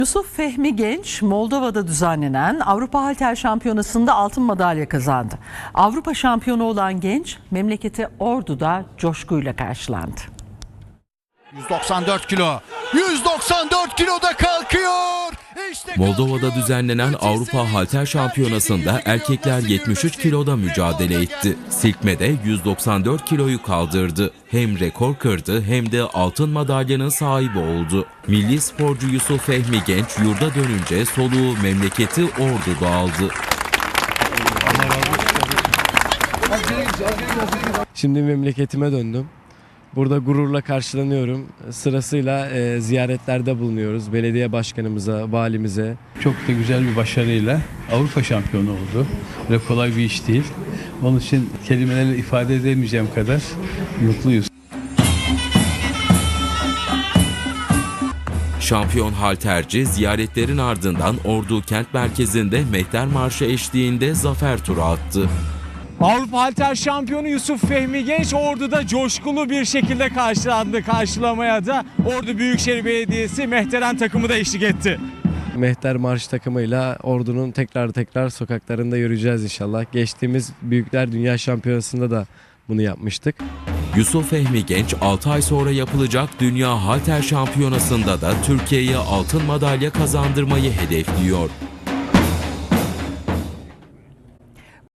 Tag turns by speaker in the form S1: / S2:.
S1: Yusuf Fehmi Genç, Moldova'da düzenlenen Avrupa Halter Şampiyonası'nda altın madalya kazandı. Avrupa şampiyonu olan Genç, memleketi Ordu'da coşkuyla karşılandı.
S2: 194 kilo. 194 kiloda kalkıyor. İşte
S3: Moldova'da düzenlenen Avrupa Halter Şampiyonası'nda erkekler 73 kiloda mücadele etti. Silkmede 194 kiloyu kaldırdı. Hem rekor kırdı hem de altın madalyanın sahibi oldu. Milli sporcu Yusuf Fehmi Genç yurda dönünce soluğu memleketi Ordu'da aldı.
S4: Şimdi memleketime döndüm. Burada gururla karşılanıyorum. Sırasıyla ziyaretlerde bulunuyoruz. Belediye başkanımıza, valimize.
S5: Çok da güzel bir başarıyla Avrupa şampiyonu oldu. Ve kolay bir iş değil. Onun için kelimelerle ifade edemeyeceğim kadar mutluyuz.
S3: Şampiyon halterci ziyaretlerin ardından Ordu kent merkezinde Mehter Marşı eşliğinde zafer turu attı.
S6: Avrupa Halter Şampiyonu Yusuf Fehmi Genç Ordu'da coşkulu bir şekilde karşılandı. Karşılamaya da Ordu Büyükşehir Belediyesi Mehteren takımı da eşlik etti.
S4: Mehter Marş takımıyla Ordu'nun tekrar sokaklarında yürüyeceğiz inşallah. Geçtiğimiz Büyükler Dünya Şampiyonası'nda da bunu yapmıştık.
S3: Yusuf Fehmi Genç 6 ay sonra yapılacak Dünya Halter Şampiyonası'nda da Türkiye'ye altın madalya kazandırmayı hedefliyor.